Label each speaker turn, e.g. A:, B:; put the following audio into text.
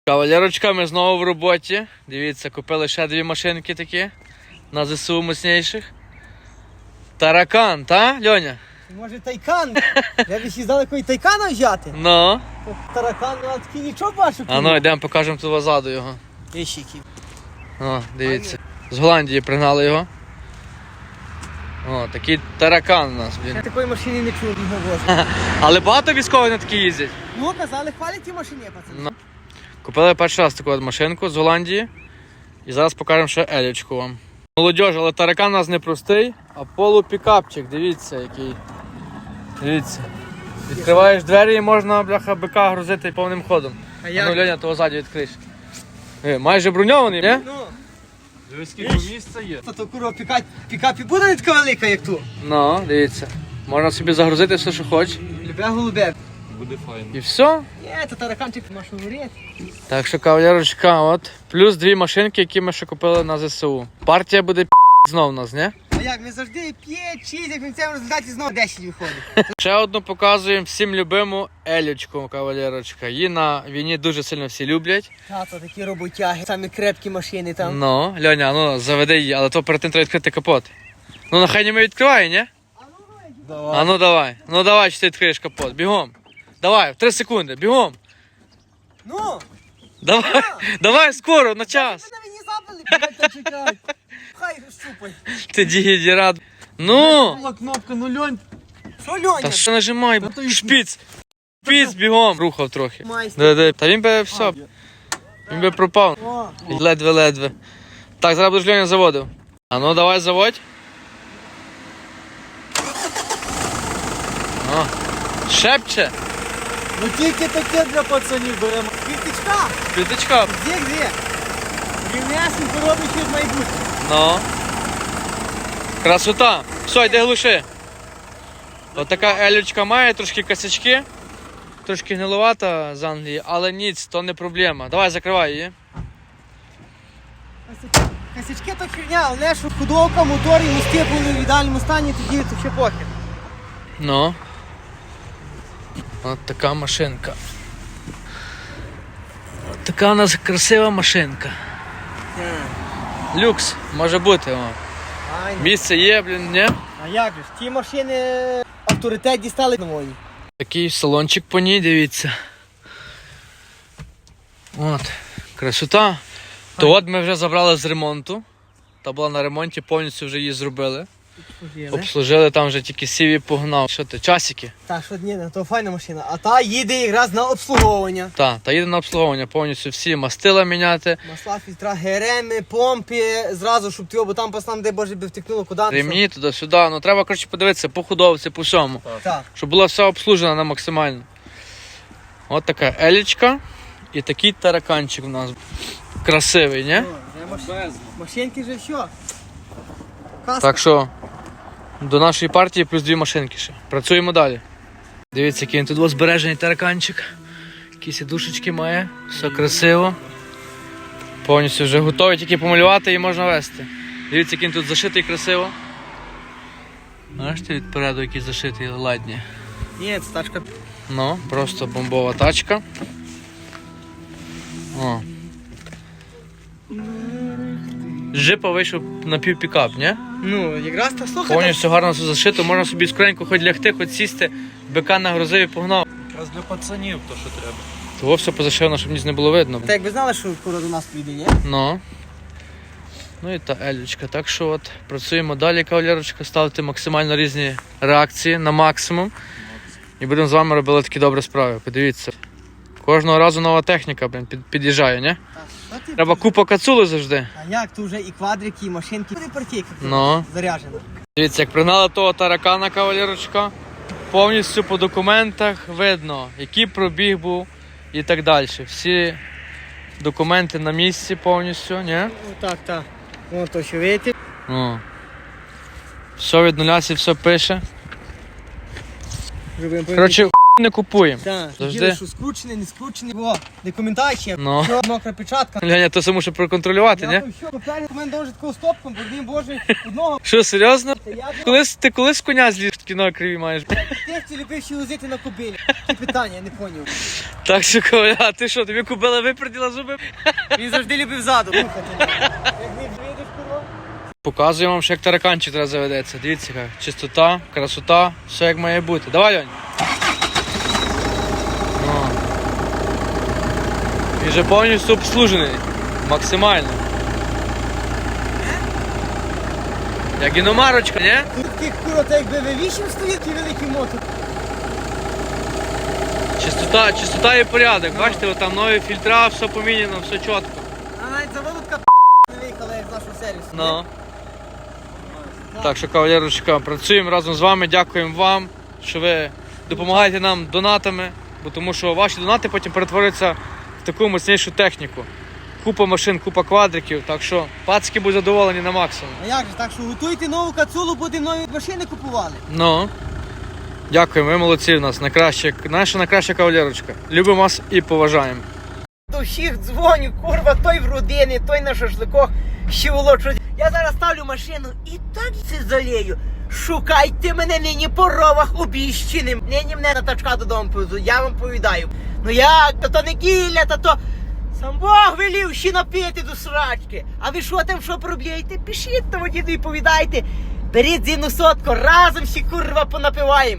A: Кавалерочка, ми знову в роботі. Дивіться, купили ще дві машинки такі на ЗСУ мощніших. Таракан, та, Льоня?
B: Може Тайкан? Я б ще знали, який Тайкана взяти.
A: Ну.
B: Таракан, ну а такий нічого бачу.
A: А ну, йдемо покажемо тут позаду його.
B: Вищики.
A: О, дивіться. З Голландії пригнали його. О, такий таракан у нас,
B: Я
A: блін.
B: такої машини не чув, не возив.
A: Але багато військових на такі їздять.
B: Ну, казали, хвалять ті машини, пацани.
A: Ну. Купили перший раз таку от машинку з Голландії. І зараз покажемо ще елічку вам. Молодіж, але таракан у нас не простий, а полупікапчик, дивіться який. Дивіться. Відкриваєш двері і можна, бляха, бика грузити повним ходом.
B: А
A: Ну,
B: як?
A: Льоня, того ззаді відкриш. Майже броньований, не?
B: Ну,
C: Дивись, скільки місця є.
B: то курва пікапі буде не така велика, як ту.
A: Ну, дивіться. Можна собі загрузити все, що хочеш.
B: Любе голубе.
C: Буде файно.
A: І все.
B: Є, то тараканчик можеш говорити.
A: Так що, кавалерочка, от. Плюс дві машинки, які ми ще купили на ЗСУ. Партія буде знов у нас, не?
B: А як, ми завжди 5-6, як в кінцевому результаті знову 10 виходить.
A: Ще одну показуємо всім любиму елючку, кавалерочка. Її на війні дуже сильно всі люблять.
B: Тато, такі роботяги, самі крепкі машини там.
A: Ну, Льоня, ну заведи її, але то перед тим треба відкрити капот. Ну, нехай не ми відкриває, ні? А ну давай. Ну давай, чи ти відкриєш капот. Бігом. Давай, в 3 секунди, бігом.
B: Ну,
A: Давай, давай скоро, на час.
B: ви на мені забили, блядь, чекай. Хай щупай.
A: Ти дігідірад. Ну!
C: Була кнопка, ну Льонь.
B: Що, Льоня?
A: Та що нажимай,
C: то їх-
A: шпіц. Шпіц бігом. Рухав трохи.
B: Майстер.
A: Да. Та він би все. Він би пропав.
B: О,
A: Ледве-ледве. Так, зараз будеш Льоня заводив. А ну давай заводь. О, шепче.
C: Ну тільки таке для пацанів беремо.
B: квіточка,
A: П'ятичка.
B: де? Рівнясенько робить як майбутнє.
A: Ну. Красота. Все, йди глуши. От така елючка має, трошки косячки. Трошки гнилувата з Англії, але ніц, то не проблема. Давай, закривай її.
B: Косячки то херня, але що худовка, мотор і мости були в ідеальному стані, тоді то ще похер.
A: Ну. От така машинка. От така у нас красива машинка. Люкс, може бути. О.
B: Айно.
A: Місце є, блін, ні?
B: А як же ж, ті машини авторитет дістали на війні.
A: Такий салончик по ній, дивіться. От, красота. То от ми вже забрали з ремонту. Та була на ремонті, повністю вже її зробили. Обслужили, там вже тільки сів і погнав. Що ти, часики?
B: Та що ні, то файна машина. А та їде якраз на обслуговування.
A: Та їде на обслуговування, повністю всі мастила міняти.
B: Масла, фільтра, ГРМи, помпи, зразу, щоб ти бо там пацан, де боже би втекнуло куди.
A: Ремні туди-сюди. Ну треба, коротше, подивитися по худовці, по всьому.
B: Так.
A: Щоб була все обслужена на максимально. От така елічка і такий тараканчик у нас. Красивий, ні?
B: Машинки же все. Каска.
A: Так що до нашої партії плюс дві машинки ще. Працюємо далі. Дивіться, який він тут збережений тараканчик. Які сідушечки має. Все красиво. Повністю вже готовий, тільки помалювати і можна вести. Дивіться, який він тут зашитий красиво. Бачите, відпереду який зашитий, ладні.
B: Ні, це тачка.
A: Ну, просто бомбова тачка. О. З джипа вийшов напівпікап, ні?
B: Ну, якраз та слухай.
A: Повністю гарно все зашито, можна собі скоренько хоч лягти, хоч сісти, бика нагрузив і погнав.
C: Якраз для пацанів то, що треба.
A: Того все позашивано, щоб ніс не було видно.
B: Та якби знали, що скоро до нас прийде, ні?
A: Ну і та елючка. Так що от працюємо далі, кавалерочка, ставити максимально різні реакції на максимум. І будемо з вами робити такі добрі справи. Подивіться. Кожного разу нова техніка, блін, під'їжджає, ні? Треба купа кацули завжди.
B: А як, то вже і квадрики, і машинки. Буде партійка
A: Ну.
B: заряджена.
A: Дивіться, як пригнали того таракана, кавалерочка, повністю по документах видно, який пробіг був і так далі. Всі документи на місці повністю, ні?
B: Так, так. Вон то, що видите.
A: Ну. Все від нуля, все пише.
B: Вже будемо
A: Коротше, не купуємо.
B: Так,
A: Завжди.
B: діли, що скручений, не скручений. О, не коментар ще.
A: Ну.
B: Що, мокра печатка.
A: Леня, то це мушу проконтролювати, ні?
B: Я там що, поперед у мене дуже такого стопком, бо він боже одного.
A: Що, серйозно?
B: Я
A: Ти колись з коня зліз, кіно криві маєш?
B: ти любив ще возити на кобилі. Це питання, я не поняв.
A: Так що, Коля, а ти що, тобі купила виперділа зуби?
B: Він завжди любив ззаду. Як не вийдеш, курва.
A: Показую вам, що як тараканчик зараз заведеться. Дивіться, яка чистота, красота, все як має бути. Давай, Льонь. Ну. І вже повністю обслужений. Максимально. Як іномарочка, ні?
B: Тут таких курва, так якби V8 стоїть, такий великий мотор.
A: Чистота і порядок. Бачите, от там нові фільтра, все поміняно, все чітко.
B: А навіть заводка не виїхала, як з нашого сервісу.
A: Ну. Так що, кавалерочка, працюємо разом з вами, дякуємо вам, що ви допомагаєте нам донатами, бо тому що ваші донати потім перетворюються в таку мощнішу техніку. Купа машин, купа квадриків, так що пацки будуть задоволені на максимум.
B: А як же, так що готуйте нову кацулу, будемо нові машини купували.
A: Ну, дякуємо, ви молодці в нас, наша найкраща кавалерочка. Любимо вас і поважаємо.
B: До всіх дзвоню, курва, той в родині, той на шашликах, ще волочу. Я зараз ставлю машину і так це залію. Шукайте мене нині по ровах обіщеним. Нині мене на тачка додому повезуть, я вам повідаю. Ну як, то неділя, то сам Бог велів ще напити до срачки. А ви що там, що проблєєте? Пишіть тому діду і повідайте. Беріть зіну сотку, разом всі курва понапиваємо.